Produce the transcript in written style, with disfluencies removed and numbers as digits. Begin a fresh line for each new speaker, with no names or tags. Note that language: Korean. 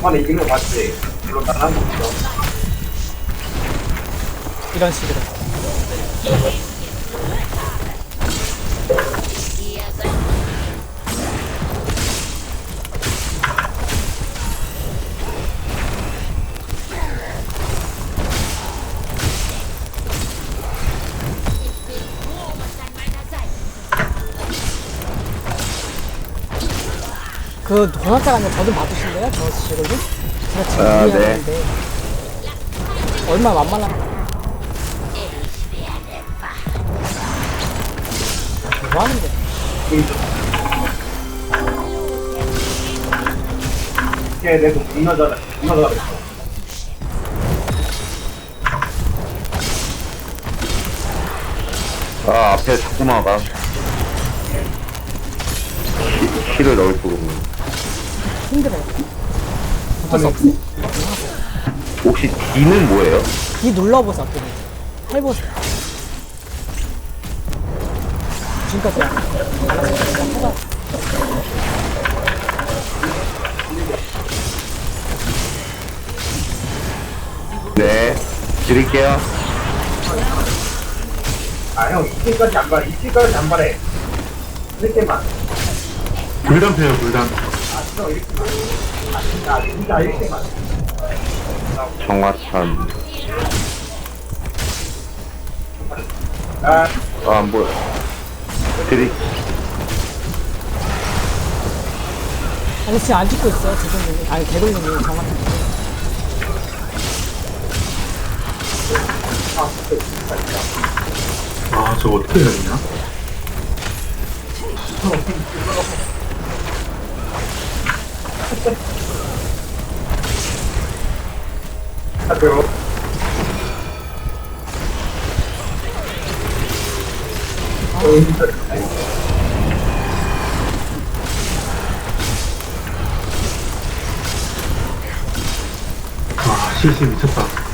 막판에 이기는 거 봤지? 물론 난한 거 없어.
이런 식으로. 그 도넛자가면 저 좀 봐주실래요? 저 식으로? 제가 지금
아, 네.
준비하는데 얼마 만만한 뭐 하는데?
걔 내가 존나 잘해. 존나 잘했어.
아, 앞에 자꾸 막아. 키를 넣을 수가 없네.
힘들어요. 어쩔 수 없어.
혹시 D는 뭐예요?
D 눌러보세요. 어떻게 해보세요. 지금까지 해봐.
네, 드릴게요.
아, 형, 2킬까지 안 발해. 2킬까지 안 발해. 이렇게만.
불단 패요, 불단.
아, 진짜 이렇게만. 아, 진짜 이렇게만.
정화탄.
아,
아, 안 보여. 드릴.
아니 지금 안 죽고 있어요. 지금 아니 개돌님이 정확히.
아, 저거 어떻게 해야 되냐?
하세요.
아, 실시 미쳤다.